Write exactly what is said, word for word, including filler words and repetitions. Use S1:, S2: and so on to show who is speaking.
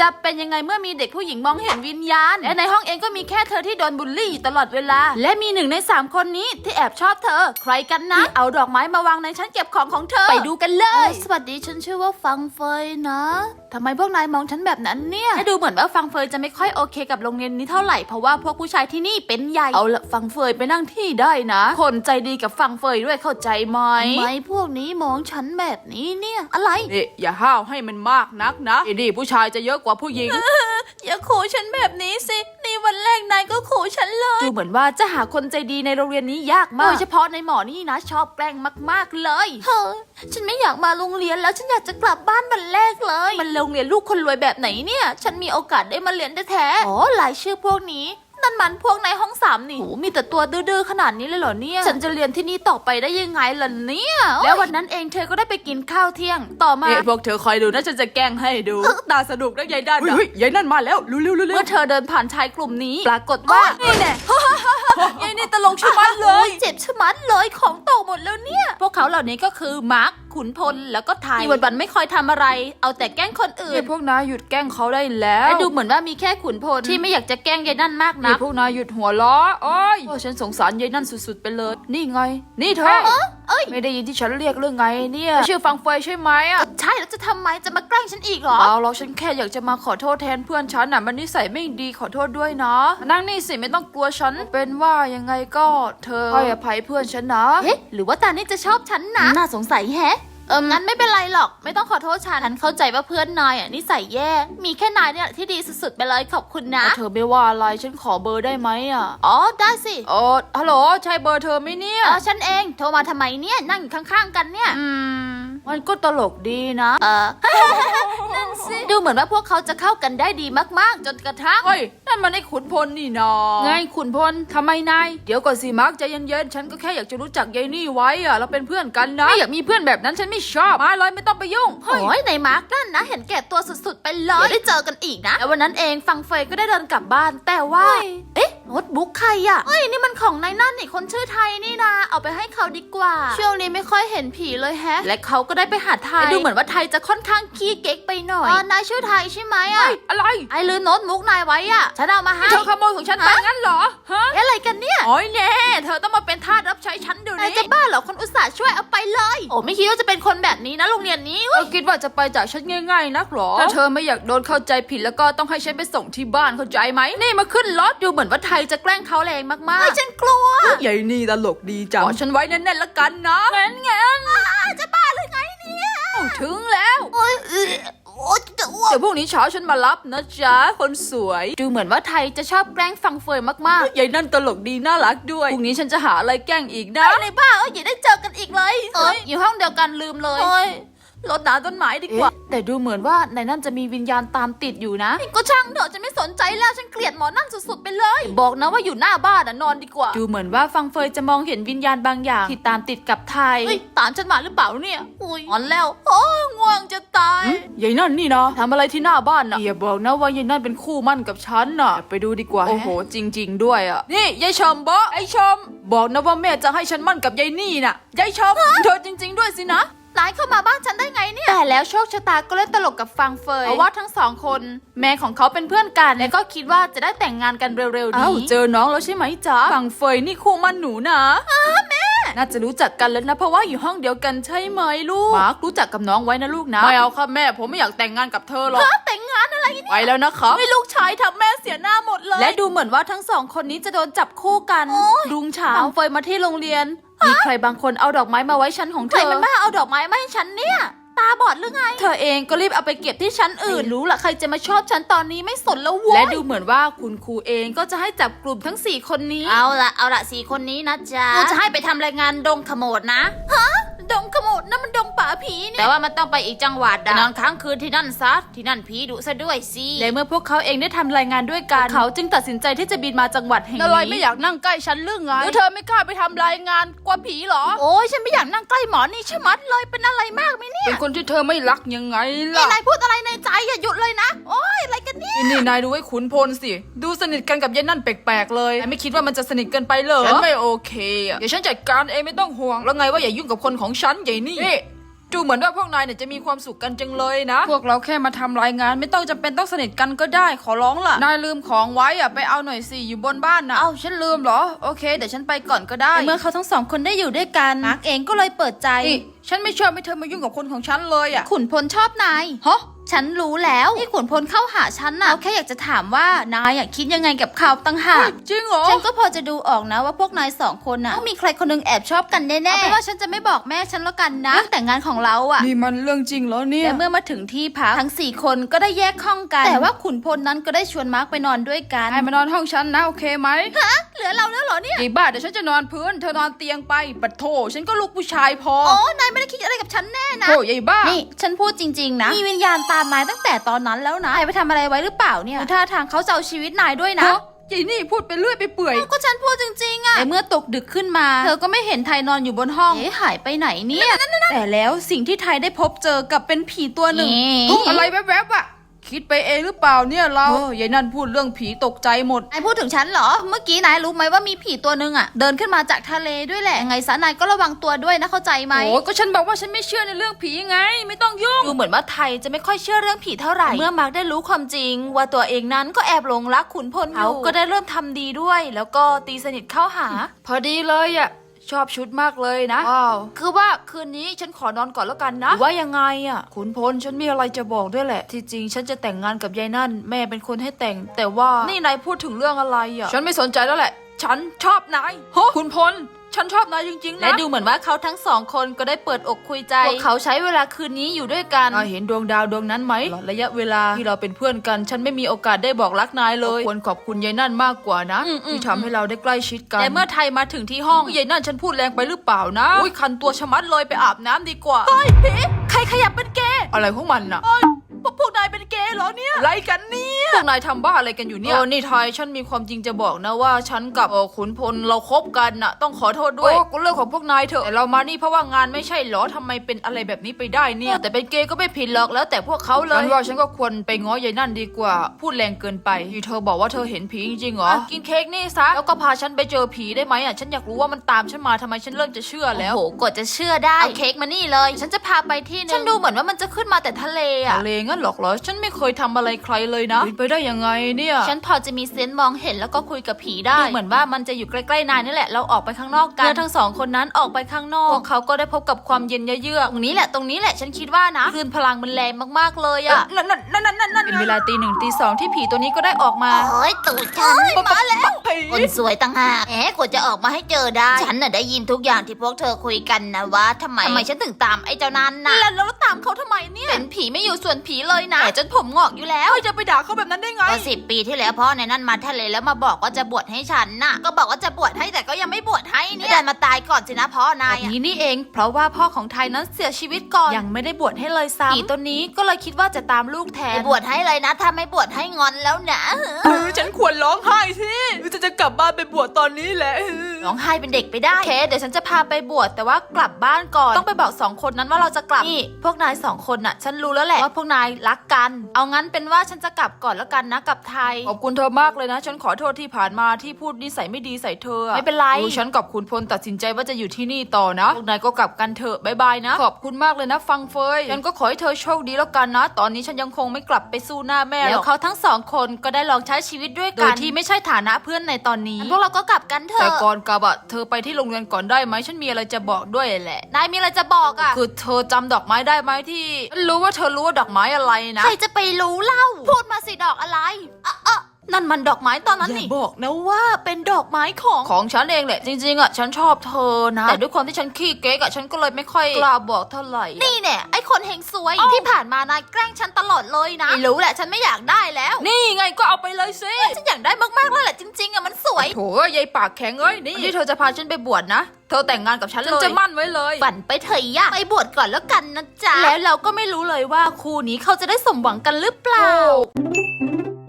S1: จะเป็นยังไงเมื่อมีเด็กผู้หญิงมองเห็นวิญญาณและในห้องเองก็มีแค่เธอที่โดนบูลลี่อยู่ตลอดเวลาและมีหนึ่งในสามคนนี้ที่แอบชอบเธอใครกันนะเอาดอกไม้มาวางในชั้นเก็บของของเธอไปดูกันเลยสวัสดีฉันชื่อว่าฟังเฟยนะทำไมพวกนายมองฉันแบบนั้นเนี่ยดูเหมือนว่าฟังเฟยจะไม่ค่อยโอเคกับโรงเรียนนี้เท่าไหร่เพราะว่าพวกผู้ชายที่นี่เป็นใหญ่เอาละฟังเฟยไปนั่งที่ได้นะคนใจดีกับฟังเฟยด้วยเข้าใจไหมทำไมพวกนี้มองฉันแบบนี้เนี่ยอะไร
S2: นี่อย่าห้าวให้มันมากนักนะนี่ผู้ชายจะเยอะกว่าผู้หญิง
S1: อย่าขู่ฉันแบบนี้สินี่วันแรกนายก็ขู่ฉันเลยดูเหมือนว่าจะหาคนใจดีในโรงเรียนนี้ยากมากโดยเฉพาะในหมอนี่นะชอบแกล้งมากๆเลยเฮ้ยฉันไม่อยากมาโรงเรียนแล้วฉันอยากจะกลับบ้านวันแรกเลยมันโรงเรียนลูกคนรวยแบบไหนเนี่ยฉันมีโอกาสได้มาเรียนแท้ๆอ๋อรายชื่อพวกนี้นั่นมันพวกในห้องสามนี่โหมีแต่ตัวดื้อๆขนาดนี้เลยเหรอเนี่ยฉันจะเรียนที่นี่ต่อไปได้ยังไงล่ะเนี่ยแล้ววันนั้นเองเธอก็ได้ไปกินข้าวเที่ยงต่อมา
S2: พวกเธอคอยดูนะฉันจะแกล้งให้ดูตาสนุกนะยายนั่นเฮ้ยยายนั่นมาแล้วรู้เร็วๆ
S1: เมื่อเธอเดินผ่านชายกลุ่มนี้ปรากฏว่านี่แน่ยายนี่ตลกชะมัดเลยเจ็บชะมัดเลยของตกหมดแล้วเนี่ยพวกเขาเหล่านี้ก็คือมาร์คขุนพลแล้วก็ไทยที่วันๆไม่คอยทำอะไรเอาแต่แกล้งคนอื่น
S2: พวกนายหยุดแกล้งเขาได้แล้ว
S1: ดูเหมือนว่ามีแค่ขุนพลที่ไม่อยากจะแกล้งยายนั่นมากนะ
S2: พวกนายหยุดหัวล้อโอ้ยฉันสงสารยายนั่นสุดๆไปเลยนี่ไงนี่เธอไม่ได้ยินที่ฉันเรียกเรื่องไงเนี่ยชื่อฟังเฟยใช่ไหมอ่ะ
S1: ใช่แล้วจะทำไมจะมาแกล้งฉันอีกเหรอ
S2: เอาเราฉันแค่อยากจะมาขอโทษแทนเพื่อนฉันน่ะมันนิสัยไม่ดีขอโทษด้วยนะนั่งนี่สิไม่ต้องกลัวฉันเป็นว่ายังไงก็เธอให้อภัยเพื่อนฉันนะ
S1: เฮ้หรือว่าตานี่จะชอบฉันนะน่าสงสัยแฮะเอองั้นไม่เป็นไรหรอกไม่ต้องขอโทษฉันฉันเข้าใจว่าเพื่อนนายอ่ะนิสัยแย่มีแค่นายเนี่ยที่ดีสุดๆไปเลยขอบคุณนะ
S2: เธอไม่ว่าอะไรฉันขอเบอร์ได้ไหมอ่ะ
S1: อ๋อได้สิ
S2: อ๋อฮัลโหลใช่เบอร์เธอไหมเนี่ย
S1: เออฉันเองโทรมาทำไมเนี่ยนั่งอยู่ข้างๆกันเนี่ย
S2: อืมมันก็ตลกดีนะ
S1: เออ นั่นสิดูเหมือนว่าพวกเขาจะเข้ากันได้ดีมากๆจนกระทั่ง
S2: เฮ้ยนั่นมันไอ้ขุนพลนี่นาไงขุนพลทำไมนายเดี๋ยวก่อนสิมาร์คใจเย็นๆฉันก็แค่อยากจะรู้จักยายนี่ไว้อ่ะเราเป็นเพื่อนกันนะไม่อยากมีเพื่อนแบบนั้นฉันไม่ชอบมาเลยไม่ต้องไปยุ่ง
S1: โอ้ยในมาร์กนั่นนะเห็นแก่ตัวสุดๆไปเลยเดี๋ยวได้เจอกันอีกนะแล้ววันนั้นเองฟังเฟยก็ได้เดินกลับบ้านแต่ว่าเอ๊ะโน้ตบุ๊กใครอ่ะเฮ้ยนี่มันของนายนั่นนี่คนชื่อไทยนี่นะเอาไปให้เขาดีกว่าช่วงนี้ไม่ค่อยเห็นผีเลยแฮะและเขาก็ได้ไปหาไทยดูเหมือนว่าไทยจะค่อนข้างขี้เก๊กไปหน่อยนายชื่อไทยใช่ไหมอ่ะ
S2: อะไร
S1: ไอ้ลืมโน้ตบุ๊กนายไว้อ่ะฉันเอามาให้
S2: เธอขโมยของฉันไปงั้นเหรอฮะ
S1: อะไรกันเนี่ย
S2: โอ้ยแน่เธอต้องมาเป็นทาสรับใช้ฉันเดี๋ยวนี้
S1: จะบ้าเหรอคนอุตส่าห์ช่วยเอาไปเลยโอ้ไม่คิดว่าจะเป็นคนแบบนี้นะโรงเรียนนี้
S2: เธอคิดว่าจะไปจากฉันง่ายๆนักหรอถ้าเธอไม่อยากโดนเข้าใจผิดแล้วก็ต้องให้ฉันไปส่งที่บ้านเข้าใจไหมนี่มาขึ้นรถ
S1: ดูเหมือนว่าไทยจะแกล้งเขาแรงมากๆเฮ้ยฉันกลัว
S2: ใหญ่นี่ตลกดีจังขอฉันไว้แน่นๆละกันนะ
S1: งั้นงั้นจะบ้าหรือไงเนี่ย
S2: ถึงแล้ว
S1: โอ้ย
S2: เดี๋ยวพรุ่งนี้เช้าฉันมารับนะจ๊ะคนสวย
S1: ดูเหมือนว่าไทยจะชอบแกล้งฟังเฟยมาก
S2: ๆยายนั่นตลกดีน่ารักด้วยพรุ่งนี้ฉันจะหาอะไรแกล้งอีกนะ
S1: อะไรบ้าเอ้ยอย่าได้เจอกันอีกเลยเอ้ยอยู่ห้องเดียวกันลืมเลย
S2: รดน้ำต้นไม้ดีกว่า
S1: แต่ดูเหมือนว่าในนั่นจะมีวิญญาณตามติดอยู่นะก็ช่างเถอะฉันไม่สนใจแล้วฉันเกลียดหมอนั่นสุดๆไปเลยบอกนะว่าอยู่หน้าบ้านนะนอนดีกว่าดูเหมือนว่าฟังเฟยจะมองเห็นวิญญาณบางอย่างที่ตามติดกับไทยตามฉันมาหรือเปล่าเนี่ยอุ้ยอ่อนแล้วโอ้ง่วงจะตาย
S2: ยายนั่นนี่นะทำอะไรที่หน้าบ้านนะอย่าบอกนะว่ายายนั่นเป็นคู่มั่นกับฉันน่ะไปดูดีกว่าโอ้โหจริงๆด้วยอ่ะนี่ยายชมบอกไอชมบอกนะว่าแม่จะให้ฉันมั่นกับยายนี่น่ะยายชมเธอจริงๆด้วยสินะ
S1: นายเข้ามาบ้านฉันได้ไงเนี่ยแต่แล้วโชคชะตาก็เล่นตลกกับฟังเฟยเพราะว่าทั้งสองคนแม่ของเขาเป็นเพื่อนกันและก็คิดว่าจะได้แต่งงานกันเร็วๆนี้
S2: เจอน้องแล้วใช่ไหมจ๊ะฟังเฟยนี่คู่มั่นหนูนะ
S1: อ้าแม่
S2: น่าจะรู้จักกันแล้วนะเพราะว่าอยู่ห้องเดียวกันใช่ไหมลูกมาร์ครู้จักกับน้องไว้นะลูกนะไม่เอาค่ะแม่ผมไม่อยากแต่งงานกับเธอหรอก
S1: แต่งงานอะไรเนี่ย
S2: ไปแล้วนะคะ
S1: ไม่ลูกชายทำแม่เสียหน้าหมดเลยและดูเหมือนว่าทั้งสองคนนี้จะโดนจับคู่กันรุ่งเช้าฟังเฟยมาที่โรงเรียนมีใครบางคนเอาดอกไม้มาไว้ชั้นของเธอใครมันบ้าเอาดอกไม้มาให้ฉันเนี่ยตาบอดหรือไงเธอเองก็รีบเอาไปเก็บที่ชั้นอื่นรู้ละใครจะมาชอบฉันตอนนี้ไม่สนแล้ววะและดูเหมือนว่าคุณครูเองก็จะให้จับกลุ่มทั้งสี่คนนี้เอาละเอาละสี่คนนี้นะจ๊ะกูจะให้ไปทำรายงานดงขโมดนะฮะดงขโมดนั่นมันดงป่าผีเนี่ยแต่ว่ามันต้องไปอีกจังหวัดนอนค้างคืนที่นั่นซะที่นั่นผีดุซะด้วยสิและเมื่อพวกเขาเองได้ทำรายงานด้วยกันเขาจึงตัดสินใจที่จะบินมาจังหวัดแห่งนี้
S2: อะไรไม่อยากนั่งใกล้ฉันเรื่องไงหรือเธอไม่กล้าไปทำรายงานกว่าผีหรอ
S1: โอ้ยฉันไม่อยากนั่งใกล้หมอนี่ชะมัดเลยเป็นอะไรมากไหมเนี่ย
S2: เป็นคนที่เธอไม่รักยังไงล่ะ
S1: นายพูดอะไรในใจอย่าหยุดเลยนะโอ้ยอะไรกันเนี่ย
S2: นี่นายดูไอ้ขุนพลสิดูสนิทกันกับยายนั่นแปลกๆเลยไม่คิดว่ามันจะสนิทกันไปเหรอฉันไม่โอเคอ่ะเดี๋ยวฉันจัดการเองไม่ต้องห่วงแล้วไงว่าอย่ายุ่งกับคนของฉันใหญ่นี่ดูเหมือนว่าพวกนายเนี่ยจะมีความสุขกันจังเลยนะพวกเราแค่มาทำรายงานไม่ต้องจำเป็นต้องสนิทกันก็ได้ขอร้องล่ะนายลืมของไว้อะไปเอาหน่อยสิอยู่บนบ้านนะเอ้าฉันลืมเหรอโอเคเดี๋ยวฉันไปก่อนก็ได้
S1: เมื่อเขาทั้งสองคนได้อยู่ด้วยกันมาร์กเองก็เลยเปิดใจ
S2: นี่ฉันไม่ชอบให้เธอมายุ่งกับคนของฉันเลยอะ
S1: ขุนพลชอบนาย
S2: ฮะ
S1: ฉันรู้แล้วที่ขุนพลเข้าหาฉันน่ะเขาแค่อยากจะถามว่านายอยากคิดยังไงกับเขาตั้งหาก
S2: จริงเหรอ
S1: ฉันก็พอจะดูออกนะว่าพวกนายสองคนน่ะต้องมีใครคนหนึงแอบชอบกันแน่ๆเอาเป็นว่าฉันจะไม่บอกแม่ฉันแล้วกันนะเรื่องแต่งงานของเราอะ
S2: นี่มันเรื่องจริงเหรอเนี่ย
S1: และเมื่อมาถึงที่พักทั้งสี่คนก็ได้แยกห้องกัน แต่ว่าขุนพลนั้นก็ได้ชวนมาร์กไปนอนด้วยกัน
S2: นายมานอนห้องฉันนะโอเคไหม
S1: เหลือเราแล้วเหรอเนี่ย
S2: ไอ้บ้าเดี๋ยวฉันจะนอนพื้นเธอนอนเตียงไปปัดโถฉันก็ลูกผู้ชายพอ
S1: โอ้นายไม่ได้คิดอะไรกับฉันแน่นะ
S2: โอ้ยไอ้บ้า
S1: นี่ฉันพูดจริงๆนะมีวิญญาณตามนายตั้งแต่ตอนนั้นแล้วนะนายไปทำอะไรไว้หรือเปล่าเนี่ยท่าทางเขาจะเอาชีวิตนายด้วยนะ
S2: ฮะยายนี่พูดไปเรื่อยไปเปื่อย
S1: ก็ฉันพูดจริงๆอะแต่เมื่อตกดึกขึ้นมา เธอก็ไม่เห็นไทยนอนอยู่บนห้องเอ๊ะหายไปไหนเนี่ยแต่แล้วสิ่งที่ไทยได้พบเจอกับเป็นผีตัวหนึ่ง
S2: เฮ้ยอะไรแวบๆอะคิดไปเองหรือเปล่าเนี่ยเราเออยายนั่นพูดเรื่องผีตกใจหมด
S1: นายพูดถึงฉันเหรอ เมื่อกี้นายรู้ไหมว่ามีผีตัวหนึ่งอะเดินขึ้นมาจากทะเลด้วยแหละยังไงซะนายก็ระวังตัวด้วยนะเข้าใจไหม
S2: โอ้ก็ฉันบอกว่าฉันไม่เชื่อในเรื่องผีไง ไม่ต้องยุ่ง
S1: ดูเหมือนว่าไทยจะไม่ค่อยเชื่อเรื่องผีเท่าไหร่เมื่อมาร์กได้รู้ความจริง ว่าตัวเองนั้นก็แอบหลงรักขุนพลอยู่เขาก็ได้เริ่มทำดีด้วย แล้วก็ตีสนิทเข้าหา
S2: พอดีเลยอะชอบชุดมากเลยนะว้าวคือว่าคืนนี้ฉันขอนอนก่อนแล้วกันนะหรือว่ายังไงอะขุนพลฉันมีอะไรจะบอกด้วยแหละที่จริงฉันจะแต่งงานกับยายนั่นแม่เป็นคนให้แต่ง แต่ว่านี่นายพูดถึงเรื่องอะไรอะฉันไม่สนใจแล้วแหละ ฉันชอบนายฮะขุนพลฉันชอบนายจริงๆนะ
S1: และดูเหมือนว่าเขาทั้งสองคนก็ได้เปิดอกคุยใจพวกเขาใช้เวลาคืนนี้อยู่ด้วยกัน
S2: นายเห็นดวงดาวดวงนั้นไหมระยะเวลาที่เราเป็นเพื่อนกัน ฉันไม่มีโอกาสได้บอกรักนายเลยควรขอบคุณยายนั่นมากกว่านะ
S1: อืมอืม
S2: ที่ทำให้เราได้ใกล้ชิดกัน
S1: แต่เมื่อไทยมาถึงที่ห้อง
S2: ยายนั่นฉันพูดแรงไปหรือเปล่านะอุ้ยคันตัวชะมัดเลยไปอาบน้ำดีกว่า
S1: เฮ้ยผีใครขยับเป็นเกย์
S2: อะไรของมันน่ะ
S1: พวกพวกนายเป็นเกย์เหรอเนี่ย
S2: อะไรกันเนี่ยพวกนายทำบ้าอะไรกันอยู่เนี่ยเออนี่ไทยฉันมีความจริงจะบอกนะว่าฉันกับเออขุนพลเราคบกันน่ะต้องขอโทษด้วยโอ้ก็เรื่องของพวกนายเถอะแต่เรามานี่เพราะว่างานไม่ใช่เหรอทำไมเป็นอะไรแบบนี้ไปได้เนี่ยแต่เป็นเกย์ก็ไม่ผิดหรอกแล้วแต่พวกเขาเลยฉันว่าฉันก็ควรไปง้อยายนั่นดีกว่าพูดแรงเกินไปที่เธอบอกว่าเธอเห็นผีจริงๆเหรอกินเค้กนี่ซะแล้วก็พาฉันไปเจอผีได้ไหมอ่ะฉันอยากรู้ว่ามันตามฉันมาทำไมฉันเริ่มจะเชื่อแล้ว
S1: โอ้โหกดจะเชื่อได้เอาเค้กมานี่เลย ฉันจะพาไปที่นึงฉันดูเหมือนว่ามันจะขึ้นมาแต่ทะเลอะ
S2: ทะเลงั้นหรอกเหรอฉันไม่เคยทำอะไรใครเลยนะไปได้ยังไงเนี่ย
S1: ฉันพอจะมีเซนส์มองเห็นแล้วก็คุยกับผีได้ดูเหมือนว่ามันจะอยู่ใกล้ๆนายนี่แหละเราออกไปข้างนอกกันเมื่อทั้งสองคนนั้นออกไปข้างนอกพวกเขาก็ได้พบกับความเย็นเยือกตรงนี้แหละตรงนี้แหละฉันคิดว่านะคลื่นพลังมันแรงมากๆเลยอะ
S2: นั่นนั่นนั่นนั่นนั่นเป็นเวลาตีหนึ่งตีสองที่ผีตัวนี้ก็ได้ออกมา
S3: โอ้ยตูดฉัน
S2: มาแล้วผี
S3: คนสวยต่างหากแหมกว่าจะออกมาให้เจอได้ ฉันน่ะได้ยินทุกอย่างที่พวกเธอคุยกันนะว่าทำไมทำไมฉันถึงตามไอ้เจ้านั้นน่ะ
S1: แล้วแล้วตามเขาทำไมเนี่ยเป็นผีไม่อยู่ส่วนผีเลยนะแต่จนผมงอกอยู่แล้ว
S2: เฮ้ยจะไปด่าเขาแบบนั้นได้ไง
S3: ก็สิบปีที่แล้วพ่อในนั้นมาทะเลแล้วมาบอกว่าจะบวชให้ฉันน่ะ ก็บอกว่าจะบวชให้แต่ก็ยังไม่บวชให้เนี่ยดันมาตายก่อนสินะพ่อนาย
S1: แบบ
S3: อะ
S1: นี้นี่เอง เพราะว่าพ่อของไทยนั้นเสียชีวิตก่อนยังไม่ได้บวชให้เลยซ้ำผีตัวนี้ก็เลยคิดว่าจะตามลูกแท
S3: ไป
S1: น
S3: บวชให้เลยนะ ถ้าไม่บวชให้งอนแล้วนะ
S2: เออฉันควรร้องไห้สิจะจะกลับบ้านไปบวชตอนนี้แหละ
S1: ร้องไห้เป็นเด็กไปได้โอเคเดี๋ยวฉันจะพาไปบวชแต่ว่ากลับบ้านก่อนต้องไปบอกสองคนนั้นว่าเราจะกลับนี่พวกนายสองคนน่ะ ฉันรู้แล้วแหละว่าพวกนายรักกัน เอางั้นเป็นว่าฉันจะกลับก่อนแล้วกันนะกับไทย
S2: ขอบคุณเธอมากเลยนะ ฉันขอโทษที่ผ่านมาที่พูดนิสัยไม่ดีใส่เธออะ
S1: ไม่เป็นไร
S2: ดูฉันกับคุณพลตัดสินใจว่าจะอยู่ที่นี่ต่อนะพวกนายก็กลับกันเถอะบายบายนะ ขอบคุณมากเลยนะฟังเฟยฉันก็ขอให้เธอโชคดีแล้วกันนะ ตอนนี้ฉันยังคงไม่กลับไปสู้หน้าแม่ห
S1: แล้
S2: ร
S1: ว
S2: อก
S1: เขาทั้งสองคนก็ได้ลองใช้ชีวิตด้วย
S2: โด
S1: กั
S2: ย
S1: น
S2: ที่
S1: ที่
S2: ไม่
S1: ไม่ใช่ฐานะเพื่อนในตอนนี้
S3: พวกเราก็กลับกันเถ
S2: แต่
S3: อะ
S2: ก่อนกลับอะเธอไปที่โรงเรียนก่อนได้ไหมฉันมีอะไรจะบอกด้วยแหละ
S1: นายมีอะไรจะบอกอ่ะ
S2: คือเธอจำดอกไม้ได้ไหมที่ฉันรู้ว่าเธอรู้ว่าดอกไม้อะไรนะ
S1: ใครจะไปรู้เล่า พูดมาสิดอกอะไรอ่ะอ่ะนั่นมันดอกไม้ตอนนั้น
S2: อย่า
S1: นี่
S2: บอกนะ
S1: ว่าเป็นดอกไม้ของ
S2: ของฉันเองแหละจริงๆอ่ะฉันชอบเธอนะแต่ด้วยความที่ฉันขี้เก๊กอ่ะฉันก็เลยไม่ค่อยกล้าบอกเท่าไหร่อะ
S1: นี่เนี่ยไอ้คนเฮงซวย ที่ผ่านมานายแกล้งฉันตลอดเลยนะไม่รู้แหละฉันไม่อยากได้แล้ว
S2: นี่ไงก็เอาไปเลยสิ
S1: ฉันอยากได้มากๆแล้วแหละจริงๆอ่ะมันสวย
S2: โถยายปากแข็งเอ้ยนี่ที่เธอจะพาฉันไปบวชนะเธอแต่งงานกับฉันเลยฉันจะมั่นไว้เลย
S1: ฝันไปเถอะย่าไปบวชก่อนแล้วกันนะจ๊ะแล้วเราก็ไม่รู้เลยว่าคู่นี้เขาจะได้สมหวังกันหรือเปล่า
S2: โอ้